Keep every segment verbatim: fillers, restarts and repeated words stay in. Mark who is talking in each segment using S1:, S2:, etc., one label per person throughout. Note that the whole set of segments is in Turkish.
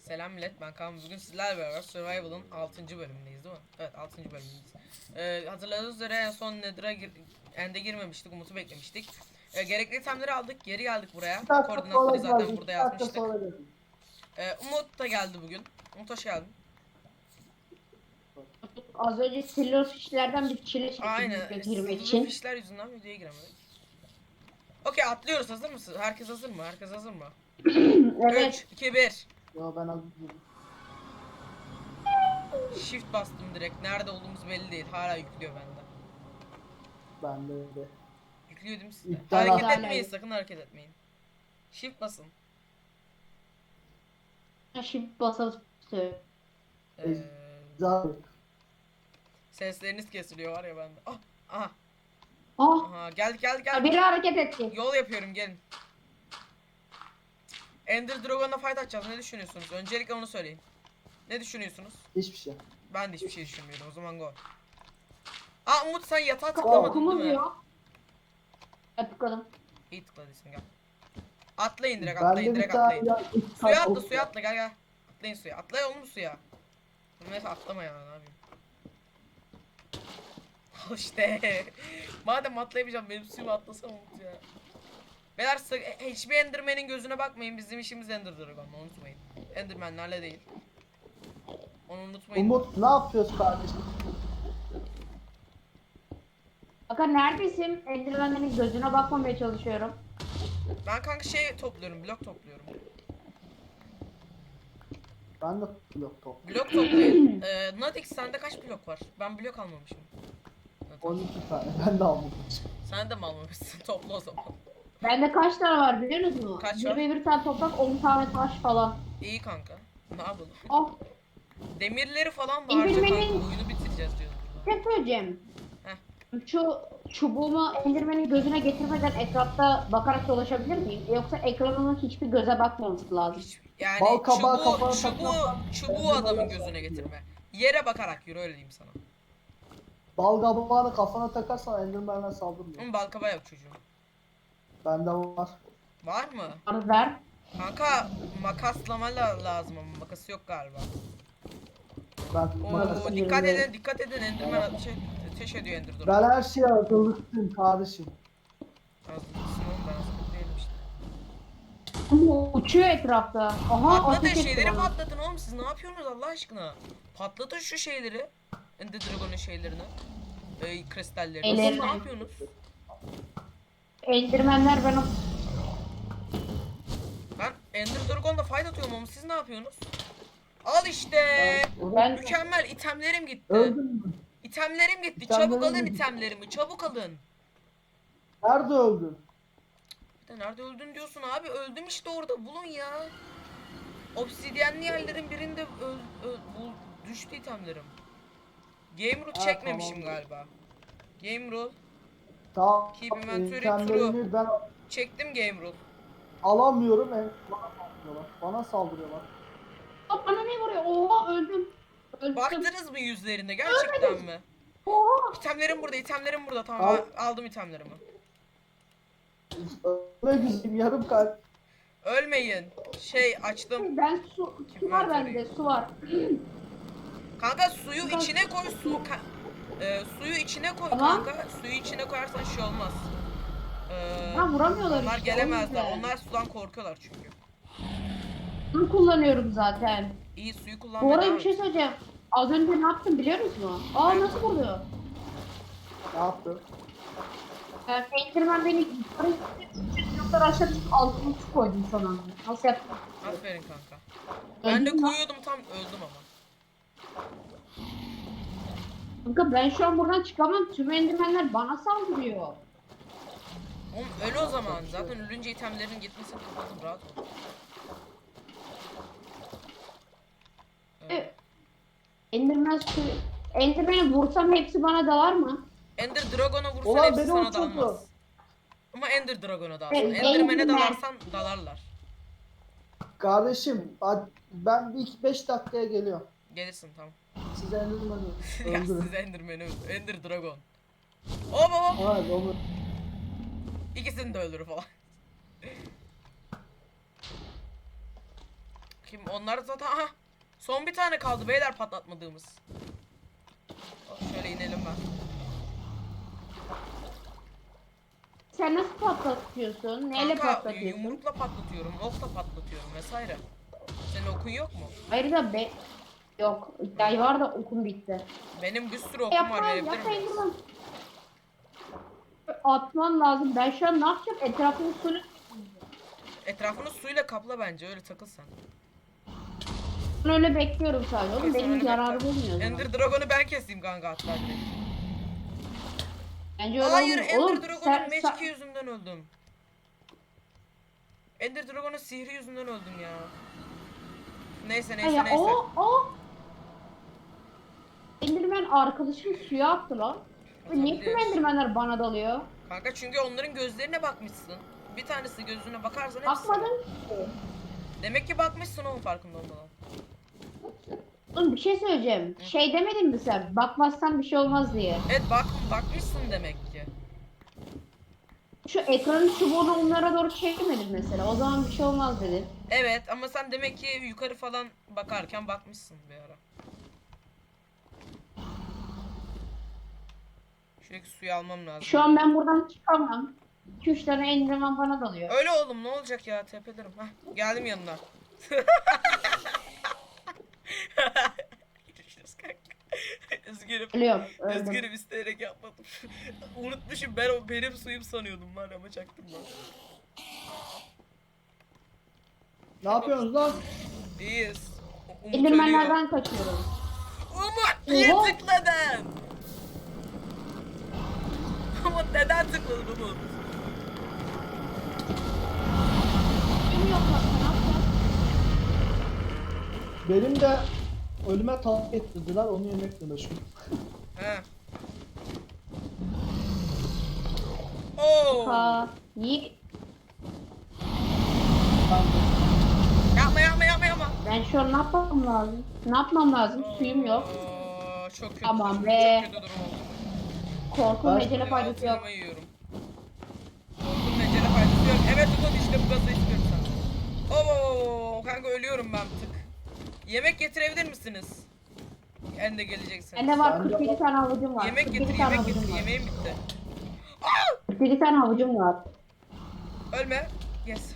S1: Selam millet, ben Kaan. Bugün sizlerle beraber Survival'ın altıncı bölümündeyiz değil mi? Evet, altıncı bölümündeyiz. Ee, hatırladığınız üzere en son Nether'a gir End'e girmemiştik, Umut'u beklemiştik. Ee, gerekli itemleri aldık, geri geldik buraya.
S2: iki dakika sonra
S1: Koordinatları zaten
S2: geldi.
S1: burada
S2: iki dakika
S1: yazmıştık.
S2: sonra geldi.
S1: Ee, Umut da geldi bugün. Umut hoş geldin.
S3: Az önce silverfishlerden bir çile çektim
S1: Aynen,
S3: video girmek
S1: sızılı
S3: için.
S1: fişler yüzünden videoya giremedik. Okey, atlıyoruz, hazır mısın? Herkes hazır mı? Herkes hazır mı?
S3: Evet.
S1: üç, iki, bir.
S2: Yo ben hazırım.
S1: Shift bastım direkt. Nerede olduğumuz belli değil. Hala yüklüyor bende.
S2: Ben de öyle.
S1: Yüklüyor değil mi sizde?
S2: İptal
S1: Hareket
S3: hala
S1: etmeyin,
S3: yok.
S1: sakın hareket etmeyin. Shift basın.
S3: Şimdi basalım.
S1: Ee,
S2: Zaten.
S1: sesleriniz kesiliyor var ya bende. Ah, aha,
S3: Ah!
S1: aha, gel gel gel.
S3: Biri hareket etti.
S1: Yol yapıyorum, gelin. Ender Dragon'la fight atacağız. Ne düşünüyorsunuz? Öncelikle onu söyleyin. Ne düşünüyorsunuz?
S2: Hiçbir şey.
S1: Ben de hiçbir şey düşünmüyorum. O zaman go. Aa, Umut sen yatağa
S2: Tamam.
S1: tıklamadın
S3: Okumuz
S1: değil mi?
S3: yok. Hadi tıkladım.
S1: İyi tıkladıysan gel. Atlayın direkt,
S2: Ben
S1: atlayın
S2: de bir
S1: direkt
S2: tane
S1: atlayın.
S2: ya, iki
S1: Suya
S2: tane
S1: atla,
S2: ok-
S1: suya atla, gel gel. Atlayın suya. Atlay oğlum suya. Neyse atlama ya, ne yapayım. İşte. Madem atlayamayacağım, benim suyuma atlasam Umut ya. Beyler sı- e, hiçbir Enderman'in gözüne bakmayın. Bizim işimiz Ender Dragon, unutmayın. Enderman'lerle değil. Onu unutmayın.
S2: Umut ne yapıyorsun kardeşim?
S3: Bakın neredesin? Enderman'lerin gözüne bakmamaya çalışıyorum.
S1: Ben kanka şey topluyorum, blok topluyorum.
S2: Ben de blok top.
S1: Blok toplayın. ee, Nadix sende kaç blok var? Ben blok almamışım.
S2: on iki tane. Ben de almadım.
S1: Sen de mi almamışsın? Topla o zaman.
S3: Bende kaç tane var biliyor musunuz?
S1: Kaç
S3: bir
S1: var?
S3: ve bir tane toprak, on tane taş falan.
S1: İyi kanka. Ne yapalım?
S3: Ah!
S1: Demirleri falan da harca kanka.
S3: Enderman'in-
S1: Oyunu bitireceğiz diyoruz burada.
S3: Ne söyleyeceğim?
S1: Heh.
S3: Şu çubuğumu Enderman'in gözüne getirmeden etrafta bakarak dolaşabilir miyim? Yoksa ekranımın hiçbir göze bakmaması lazım.
S1: Hiç, yani
S2: Bal kabağı
S1: çubuğu,
S2: kafana
S1: çubuğu,
S2: takmaktan
S1: çubuğu
S2: Enderman'ler
S1: adamın gözüne
S2: saldırıyor.
S1: getirme. Yere bakarak yürü, öyle diyeyim sana.
S2: Bal kabağını kafana takarsan Enderman'ler saldırmıyor.
S1: Ama balkaba yok çocuğum.
S2: Bende var.
S1: Var mı?
S3: Bana ver.
S1: Kanka makaslama la- lazım ama makası yok galiba.
S2: Ben,
S1: Oo, dikkat edin, dikkat edin. Enderman şey, ateş ediyor Ender Dragon.
S2: ben her şeye hazırlıklıyım kardeşim.
S1: Hazırlısın oğlum, ben hazırlık değilim işte.
S3: Ama uçuyor etrafta. Aha
S1: Patlatın
S3: ateş etti
S1: şeyleri,
S3: bana.
S1: patlatın oğlum, siz ne yapıyorsunuz Allah aşkına? Patlatın şu şeyleri. Ender Dragon'un şeylerini. Ee, kristallerini. Siz
S3: Ellerini.
S1: ne yapıyorsunuz?
S3: Enderman'ler bana
S1: Ben Ender Dragon'la fight atıyorum ama siz ne yapıyorsunuz? Al işte.
S3: Ben-
S1: Mükemmel, itemlerim gitti.
S2: Öldün mü?
S1: İtemlerim gitti.
S2: İtemlerim
S1: Çabuk alın
S2: gitti.
S1: itemlerimi. Çabuk alın.
S2: Nerede öldün?
S1: Bir de nerede öldün diyorsun abi? Öldüm işte orada. Bulun ya. Obsidyenli yerlerin birinde öl, öl, bul, düştü itemlerim. Game rule
S2: Ha,
S1: çekmemişim
S2: tamam.
S1: galiba. Game rule.
S2: Tamam.
S1: Keep inventory
S2: İtemlerimi ben
S1: Çektim game rule.
S2: alamıyorum. en- Bana saldırıyorlar. Bana saldırıyorlar.
S3: Aa, bana ne vuruyor? Oha öldüm. Öldüm.
S1: Baktınız mı yüzlerine gerçekten mi?
S3: Oha.
S1: İtemlerim burada, itemlerim burada. Tamam,
S2: Al.
S1: ben aldım itemlerimi.
S2: Ölmek üzereyim yarım kalp.
S1: Ölmeyin. Şey açtım.
S3: Ben su, su var bende su var.
S1: Kanka suyu içine koy, su ka- e, suyu içine koy
S3: Tamam.
S1: kanka. Suyu içine koyarsan şey olmaz. Ee,
S3: Ha vuramıyorlar
S1: onlar
S3: işte, o
S1: gelemezler.
S3: yüzden.
S1: Onlar sudan korkuyorlar çünkü.
S3: Bunu kullanıyorum zaten.
S1: İyi, suyu
S3: Bu
S1: kullanmaya
S3: arada
S1: devam
S3: bir şey
S1: et.
S3: söyleyeceğim. Az önce ne yaptın biliyor musun? Aa nasıl vuruyor?
S2: Ne yaptın?
S3: Ee, Enderman beni yukarı yukarı aşağı düşüp altına su koydum son anda. Nasıl yaptın?
S1: Aferin kanka. Ben de
S3: Öldün mü?
S1: koyuyordum, tam öldüm ama.
S3: Kanka ben şu an buradan çıkamam. Tüm Enderman'ler bana saldırıyor.
S1: Oğlum öl o zaman. Zaten ölünce itemlerin gitmesini kapatın, rahat ol. Evet.
S3: Ee, Enderman su... Enderman'i vursam hepsi bana dalar mı?
S1: Ender Dragon'a vursan
S2: Ulan
S1: hepsi
S2: beni
S1: sana
S2: uçurdu.
S1: dalmaz. Ama Ender Dragon'a dalsın.
S3: Evet,
S1: Enderman'e
S3: Enderman.
S1: dalarsan dalarlar.
S2: Kardeşim hadi- ben ilk beş dakikaya geliyorum.
S1: Gelirsin tamam.
S2: Size Enderman'ı
S1: Ya
S2: öldürün.
S1: siz Enderman'i öldür. Ender Dragon. Hop hop hop.
S2: Evet onu.
S1: İkisini de öldürür falan. Kim onlar zaten aha. Son bir tane kaldı beyler patlatmadığımız. Hop, şöyle inelim ben.
S3: Sen nasıl patlatıyorsun? Neyle
S1: Kanka
S3: patlatıyorsun?
S1: yumrukla patlatıyorum, okla patlatıyorum vesaire. Senin okun yok mu?
S3: Hayır da be... Yok. İddiayı var da okum bitti.
S1: Benim bir sürü okum
S3: Yapma,
S1: var, verebilir
S3: yapma
S1: miyim?
S3: Enderman. Atman lazım. Ben şu an ne yapacağım? Etrafını suyla...
S1: Etrafını suyla kapla bence, öyle takıl sen.
S3: Ben öyle bekliyorum sadece. Oğlum
S1: Sen
S3: benim
S1: öyle
S3: yararım
S1: bekle.
S3: olmuyor o zaman.
S1: Ender Dragon'u ben keseyim kanka hatta direkt.
S3: Bence öyle
S1: Hayır,
S3: olmuyor.
S1: Ender
S3: Oğlum,
S1: Dragon'un
S3: sen-
S1: magic
S3: sen-
S1: yüzünden öldüm. Ender Dragon'un sihri yüzünden öldüm ya. Neyse neyse
S3: Ya,
S1: neyse.
S3: o o Enderman arkadaşım suya attı lan. Ve niye tüm
S1: Atabilir.
S3: Endermanler bana dalıyor?
S1: Kanka çünkü onların gözlerine bakmışsın. Bir tanesi gözüne bakarsan hepsi.
S3: Bakmadım ki.
S1: Demek ki bakmışsın, onun farkında olmadan.
S3: Oğlum bir şey söyleyeceğim. Şey demedin mi sen? Bakmazsan bir şey olmaz diye.
S1: Evet bak bakmışsın demek ki.
S3: Şu ekranın çubuğunu onlara doğru çekmedin mesela. O zaman bir şey olmaz dedin.
S1: Evet ama sen demek ki yukarı falan bakarken bakmışsın bir ara. Şuradaki suyu almam lazım.
S3: Şu an ben buradan çıkamam. iki üç tane Enderman bana dalıyor.
S1: Öyle oğlum, ne olacak ya, tepelerim. Hah, geldim yanına. Görüşürüz kanka. Üzgünüm.
S3: Ölüyorum. Öldüm.
S1: Üzgünüm, isteyerek yapmadım. Unutmuşum, ben o benim suyum sanıyordum var ama çaktım lan.
S2: Ne yapıyorsunuz lan?
S1: İyiyiz. U- Umut ölüyor.
S3: Endermanlerden kaçıyorum.
S1: Umut niye
S3: Oha.
S1: tıkladın? Umut neden tıkladın Umut?
S3: Kim yok lan, ne yapacağız?
S2: Benim de ölüme tahrik ettirdiler, onu yemekle meşgul.
S1: He. Oo.
S3: Ha, niye?
S2: Ben de.
S1: Yapma yapma yapma yapma.
S3: Ben şu an ne yapmam lazım? Ne yapmam lazım? Suyum yok.
S1: Oo, çok kötü.
S3: Aman
S1: durum,
S3: be.
S1: Çok kötü durum oldu.
S3: Korku
S2: Ben-
S3: mecele faydası yok.
S1: Altınımı yiyorum. Korkunun ecele faydası yok. Evet Umut, işte bu gazı istiyorum sana. Oo kanka, ölüyorum ben bir tık. Yemek getirebilir misiniz? En de geleceksin.
S3: Bende var
S2: Ben de-
S3: kırk yedi tane havucum var.
S1: Yemek
S3: kırk
S1: getir,
S3: yedi tane
S1: yemek
S3: havucum
S1: getir.
S3: var.
S1: Yemeğim bitti.
S3: kırk yedi tane havucum var.
S1: Ölme. Yes.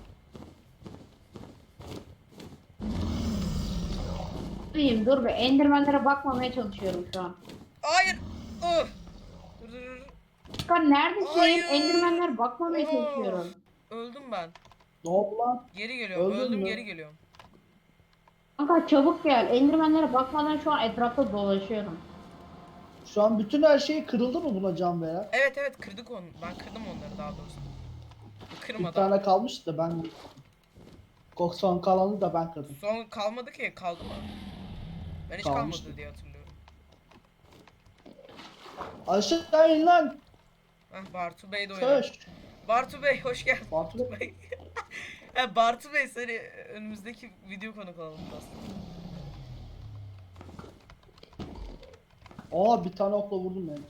S3: Durayım dur be. Endermanlere bakmamaya çalışıyorum şu an.
S1: Hayır. Ih. Dur dur dur.
S3: Kan neredesin?
S1: Hayır.
S3: Endermanlere bakmamaya
S1: Oh.
S3: çalışıyorum.
S1: Öldüm ben.
S2: Ne oldu lan?
S1: Geri geliyorum.
S2: Öldün
S1: Öldüm
S2: mü?
S1: geri geliyorum.
S3: Kanka çabuk gel. Endermanlere bakmadan şu an etrafta dolaşıyorum.
S2: Şu an bütün her şey kırıldı mı buna can veren?
S1: Evet evet, kırdık onu. Ben kırdım onları daha doğrusu.
S2: Bir
S1: Kırmadan.
S2: tane kalmış da ben... Son kalanı da ben kırdım.
S1: Son kalmadı ki, kaldı mı? Ben hiç
S2: Kalmıştı.
S1: kalmadı diye hatırlıyorum.
S2: Aşağı in lan!
S1: Heh, Bartu Bey de oynar.
S2: Söz!
S1: Bartu Bey hoş geldin.
S2: Bartu Bey.
S1: Bey. Ha, Bartu Bey seni önümüzdeki video konuk alalım aslında.
S2: Aa bir tane okla vurdum ben.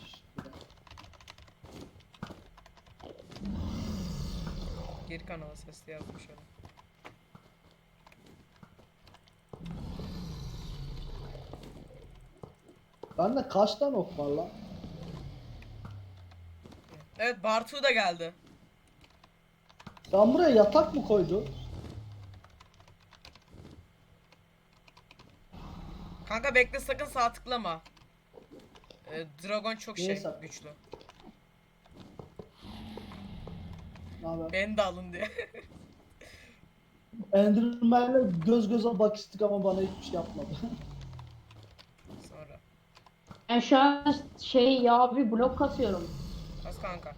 S1: Geri kanala sesli yazmış öyle.
S2: Bende kaç tane ok var lan?
S1: Evet, Bartu da geldi.
S2: Sen buraya yatak mı koydun?
S1: Kanka bekle, sakın sağ tıklama. Ee, Dragon çok şey
S2: Neyse.
S1: güçlü.
S2: Ne haber?
S1: Beni de alın diye.
S2: Enderman'le göz göze bakıştık ama bana hiçbir şey yapmadı.
S1: Sonra.
S3: Ben şu an şey ya bir blok kasıyorum.
S1: Az kanka.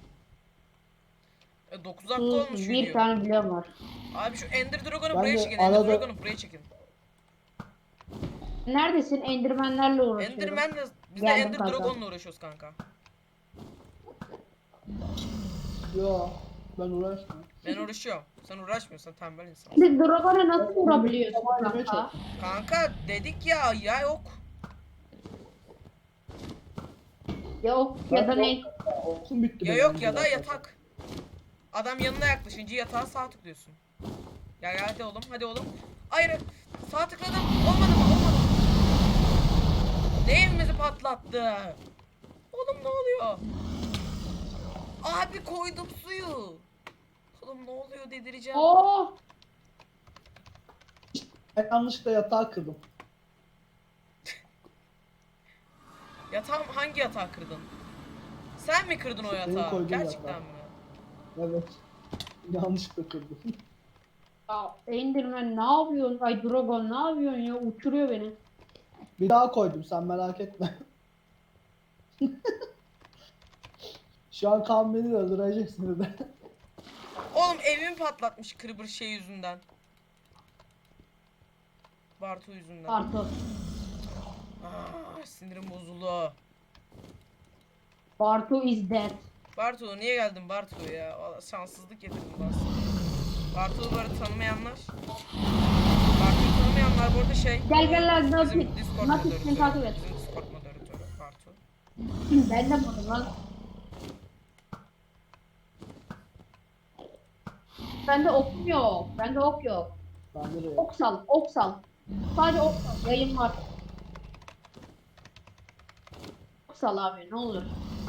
S1: E, dokuz dakika
S3: Sus,
S1: olmuş
S3: bir
S1: video.
S3: tane bloğum var.
S1: Abi şu Ender Dragon'u
S2: Ben
S1: buraya
S2: de
S1: çekin. Ender
S2: arada-
S1: Dragon'u buraya çekin.
S3: Neredesin? Endermanlerle uğraşıyorum.
S1: Enderman'le biz de
S3: Geldim
S1: Ender
S3: kanka.
S1: Dragon'la uğraşıyoruz kanka.
S2: Yo ben uğraşmıyorum.
S1: Ben uğraşıyorum. Sen uğraşmıyorsun, tembel insan.
S3: Şimdi Dragon'a nasıl vurabiliyorsun
S2: Tamam, yemeye
S3: kanka?
S1: Kanka dedik ya, ya yok.
S3: Yok ya da ne?
S2: Okum bitti
S1: Ya
S2: benim
S1: yok ya da
S2: zaten.
S1: yatak. Adam yanına yaklaşınca yatağa sağ tıklıyorsun. Gel gel hadi oğlum hadi oğlum. Hayır. Sağ tıkladım. Olmadı mı? Olmadı. Ne evimizi patlattı? Oğlum ne oluyor? Abi koydum suyu. Oğlum ne oluyor dedireceğim.
S3: Oh!
S2: Ben yanlışlıkla yatağı kırdım.
S1: Yatağım hangi yatağı kırdın? Sen mi kırdın o
S2: Benim
S1: yatağı?
S2: koyduğum
S1: Gerçekten
S2: yatağı.
S1: mi?
S2: Evet. Yanlışlıkla kırdım.
S3: Ya Enderman ne yapıyorsun? Ay Dragon ne yapıyorsun ya? Uçuruyor beni.
S2: Bir daha koydum, sen merak etme. Şu an kan beni öldüreceksin de.
S1: Oğlum evimi patlatmış kırbır şey yüzünden. Bartu yüzünden.
S3: Artık.
S1: Aa, sinirim bozuldu.
S3: Bartu is dead.
S1: Bartu niye geldin Bartu ya? Vallahi şanssızlık getirdin bana. Bartu'yu böyle tanımayanlar. Bartu'yu tanımayanlar bu arada şey.
S3: Gel gel lan
S1: bizim
S3: Natik.
S1: Discord
S3: Natik seni takip
S1: moderatörü.
S3: et.
S1: Bizim Discord moderatörü Bartu.
S3: Ben de buldum lan. Bende ok yok. Bende ok yok.
S2: Ben de
S3: Ok sal, ok sal. Sadece ok sal. Yayın var. Ok sal abi ne olur.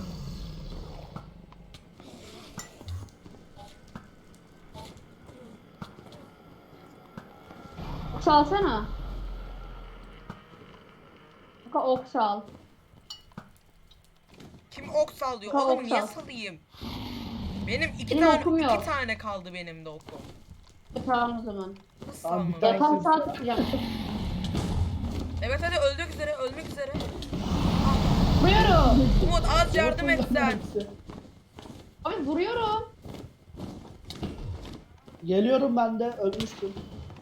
S3: Ok salsana. Kanka ok sal.
S1: Kim ok sallıyor?
S3: Ka-
S1: Oğlum
S3: ok
S1: niye
S3: sal.
S1: salayım? Benim iki
S3: Benim
S1: tane
S3: okum
S1: iki
S3: yok.
S1: tane kaldı benim de okum.
S3: Tamam o zaman.
S1: Nasıl
S2: Tamam, bir
S1: salmam?
S2: tane-
S3: Yatağı sağ tutacağım.
S1: Evet hadi öldük üzere ölmek üzere.
S3: Vuruyorum.
S1: Umut az yardım et sen.
S3: Abi vuruyorum.
S2: Geliyorum ben de, ölmüştüm.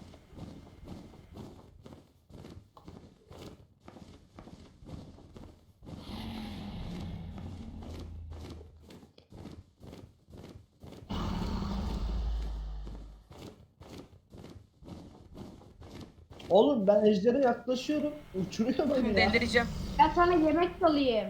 S2: Oğlum ben ejdere yaklaşıyorum. Uçuruyor beni ya.
S1: Delireceğim.
S3: Ben sana yemek salayım.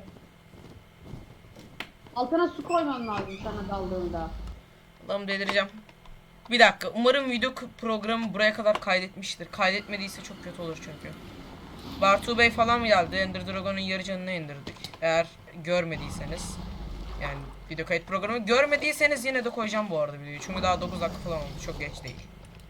S3: Altına su koymam lazım sana daldığında.
S1: Allah'ım delireceğim. Bir dakika. Umarım video k- programı buraya kadar kaydetmiştir. Kaydetmediyse çok kötü olur çünkü. Bartu Bey falan mı geldi? Ender Dragon'un yarı canını indirdik. Eğer görmediyseniz. Yani video kayıt programı görmediyseniz yine de koyacağım bu arada videoyu. Çünkü daha dokuz dakika falan oldu. Çok geç değil.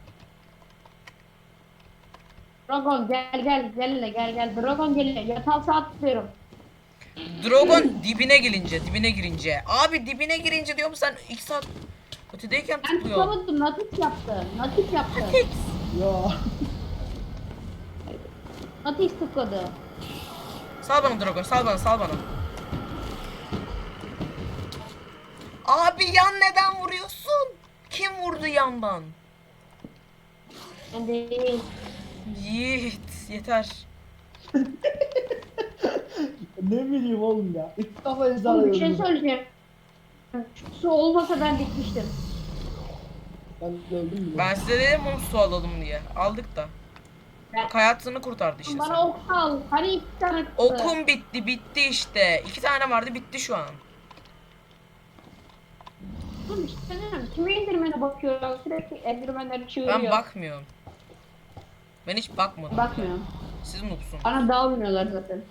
S3: Dragon gel gel gel hele, gel gel. Dragon gel hele. Yatağı sağ tutuyorum.
S1: Dragon dibine girince, dibine girince. Abi dibine girince diyorum sen iki saat ötedeyken
S3: Ben
S1: tıklıyor.
S3: tutamadım. Natik yaptı. Natik yaptı.
S2: Ya.
S3: Natik tıkladı.
S1: Sal bana Dragon, sal bana, sal bana. Abi yan neden vuruyorsun? Kim vurdu yandan?
S3: Ben değil.
S1: Yiğit, yeter.
S2: Ne bileyim oğlum ya. İlk defa ejderha
S3: Oğlum bir şey
S2: öldürdüm.
S3: söyleyeceğim. Su olmasa ben bitmiştim.
S2: Ben de öldüm bile.
S1: Ben size dedim onu su alalım diye. Aldık da.
S3: Ben-
S1: Bak hayatını kurtardı işte
S3: Bana
S1: sen.
S3: ok al. Hani iki tane çıktı.
S1: Okum bitti, bitti işte. İki tane vardı, bitti şu an.
S3: Oğlum işte söyleyeyim. Kime indirmene bakıyor? Sürekli endirmenleri çığırıyor.
S1: Ben bakmıyorum. Ben hiç bakmadım.
S3: Bakmıyorum.
S1: Siz noobsun.
S3: Bana dalmıyorlar zaten.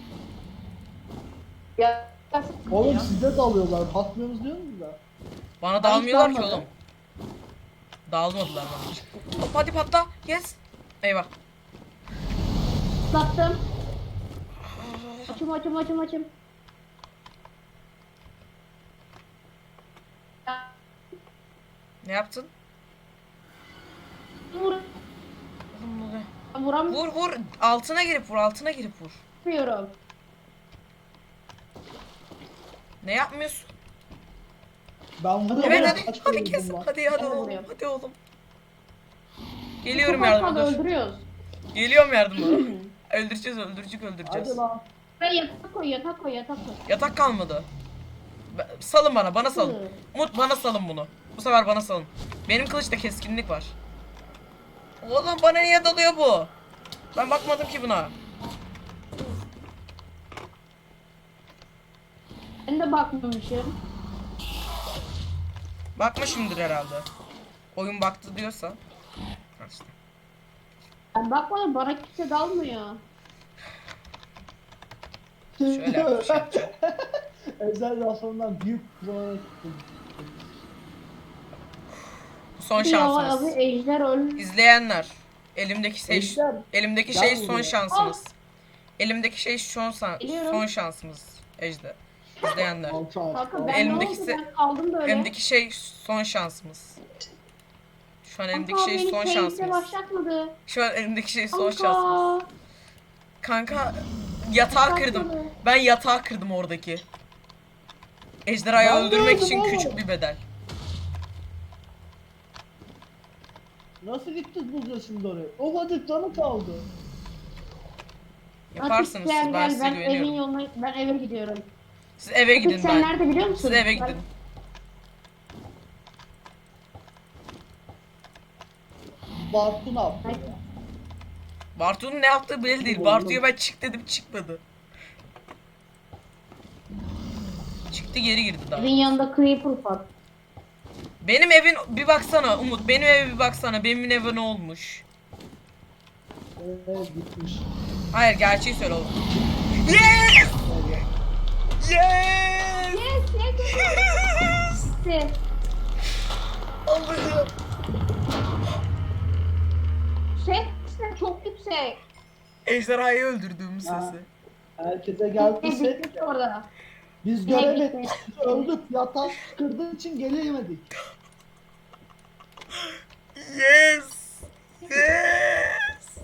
S3: Ya.
S2: Oğlum
S3: ya.
S2: size dalıyorlar. Bakmıyorsunuz diyor musunuz da?
S1: Bana
S3: hiç
S1: dalmıyorlar ki
S3: dalmadım.
S1: oğlum. Dalmadılar bana hiç. Hop hadi patla. Yes. Eyvah.
S3: Sattım. Açım açım açım açım.
S1: Ne yaptın?
S3: Vur.
S1: Oğlum ne oluyor?
S3: Vuramıyorum.
S1: Vur vur. Altına girip vur. Altına girip vur. Ne yapmıyorsun?
S2: Ben vuruyorum.
S1: Evet
S2: ya,
S1: hadi.
S2: kaç
S1: Hadi
S2: kere
S1: kes.
S2: vurdum lan.
S1: Hadi hadi
S3: Ben
S1: oğlum.
S3: vuruyorum.
S1: Hadi oğlum. Geliyorum
S3: Çok az
S1: yardıma
S3: kaldı,
S1: dur.
S3: öldürüyoruz.
S1: Geliyorum yardıma. Öldüreceğiz öldürücük öldüreceğiz.
S2: Hadi lan.
S3: Ve yatak koy yatak koy yatak koy.
S1: Yatak kalmadı. Ben- Salın bana, bana salın.
S3: Hı.
S1: Umut bana salın bunu. Bu sefer bana salın. Benim kılıçta keskinlik var. Oğlum bana niye dalıyor bu? Ben bakmadım ki buna.
S3: Ben de bakmamışım.
S1: Bakmışımdır herhalde. Oyun baktı diyorsa. Al işte.
S3: Ben bakmadım, bana kimse dalmıyor.
S1: Şöyle yapacağım.
S2: Özel raflarından büyük kullanarak gittim.
S1: Bu son
S3: Bir ya abi
S1: şansınız.
S3: ejder öl.
S1: İzleyenler. Elimdeki şey
S2: Ejder,
S1: elimdeki
S2: gel
S1: şey son
S2: buraya.
S1: şansınız. Elimdeki şey son san-
S3: Geliyorum.
S1: son şansımız. Ejder. İzleyenler.
S2: Alçak.
S3: Kanka ben
S1: Elimdeki
S3: ne oldu,
S1: se-
S3: ben kaldım böyle.
S1: Elimdeki şey son şansımız. Şu an elimdeki
S3: Kanka
S1: şey
S3: beni
S1: son
S3: case'le
S1: şansımız.
S3: başlatmadı.
S1: Şu an elimdeki şey son şansımız.
S3: Kanka.
S1: Kanka yatağı kırdım.
S3: Başlatmadı.
S1: Ben yatağı kırdım oradaki. Ejderhayı
S2: Ben de
S1: öldürmek
S2: öldüm
S1: için
S2: oğlum.
S1: küçük bir bedel.
S2: Nasıl gittik bulacağız şimdi oraya? O kadar canı kaldı.
S1: Yaparsınız
S3: Atik
S1: siz,
S3: gel
S1: ben
S3: gel,
S1: size
S3: ben evin
S1: güveniyorum.
S3: yoluna, ben eve gidiyorum.
S1: Siz eve
S3: Atik
S1: gidin
S3: sen
S1: ben.
S3: nerede biliyor musun?
S1: Siz eve
S3: Ben-
S1: gidin.
S2: Bartu ne yaptı ya?
S1: Bartu'nun ne yaptığı belli değil.
S2: Oğlum.
S1: Bartu'ya ben çık dedim, çıkmadı. Çıktı, geri girdi daha.
S3: Evin yanında creeper var.
S1: Benim evin bir baksana Umut, benim eve bir baksana. Benim eve ne olmuş?
S2: Evet gitmiş.
S1: Hayır, gerçeği söyle oğlum. Yes!
S2: Evet.
S1: Yes!
S3: Yes yes yes. yes.
S1: Allah'ım.
S3: Ses de çok yüksek.
S1: Ejderhayı öldürdüğüm
S2: Ha.
S1: sesi.
S2: Herkese
S3: Ne
S2: geldiyse
S3: bitmiş orada.
S2: biz
S3: Ne
S2: göremedik.
S3: bitmiş?
S2: Biz öldük. Yatak kırdığı için gelemedik.
S1: Yes! Yes!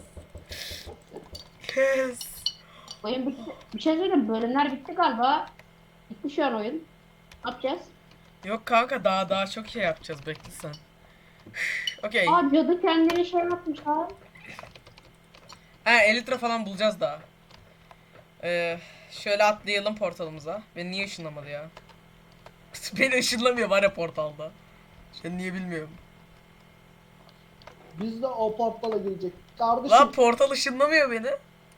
S1: Yes!
S3: Oyun bitti. Bir şey söyleyeyim, bölümler bitti galiba. Bitti şu an oyun. Ne yapacağız?
S1: Yok kanka, daha daha çok şey yapacağız, bekle sen. Okey.
S3: Aa, cadı kendini şey yapmış ha.
S1: Ha, Elytra falan bulacağız daha. Ee, şöyle atlayalım portalımıza. Beni niye ışınlamadı ya? Beni ışınlamıyor var ya portalda. Ben niye bilmiyorum.
S2: Biz de o portala girecek. Kardeşim
S1: Lan portal ışınlamıyor beni.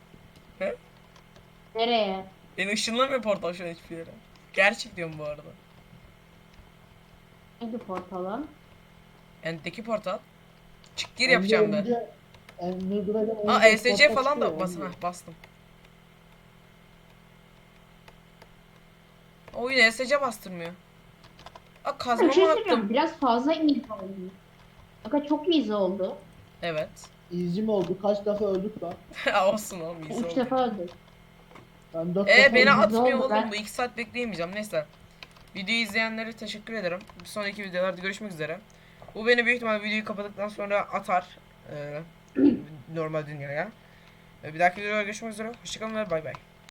S3: Nereye?
S1: Beni ışınlamıyor portal şu an hiçbir yere. Gerçek diyorum bu arada.
S3: Hangi portalın?
S1: End'deki portal. Çık gir yapacağım ben.
S2: önce Ender Dragon
S1: Aa,
S2: önce
S1: E S C
S2: portal
S1: falan da
S2: çıkıyor,
S1: bas
S2: onu
S1: heh, bastım. Oyun E S C bastırmıyor. Aa,
S3: Bir
S1: kazmamı
S3: şey
S1: attım.
S3: söyleyeceğim, biraz fazla easy oldu. Fakat çok easy oldu.
S1: Evet.
S2: Easy mi oldu? Kaç defa öldük lan?
S1: Olsun oğlum, iyisi
S3: Üç
S1: oldu.
S3: defa öldü.
S2: Ben dört
S1: Ee
S2: defa
S1: beni
S2: öldüm.
S1: atmıyor
S3: oldu,
S1: oğlum.
S3: ben-
S1: Bu iki saat bekleyemeyeceğim. Neyse. Videoyu izleyenlere teşekkür ederim. Bir sonraki videolarda görüşmek üzere. Bu beni büyük ihtimalle videoyu kapattıktan sonra atar. Ee, normal dünyaya. Ee, Bir dahaki videoda görüşmek üzere. Hoşçakalın ve bay bay.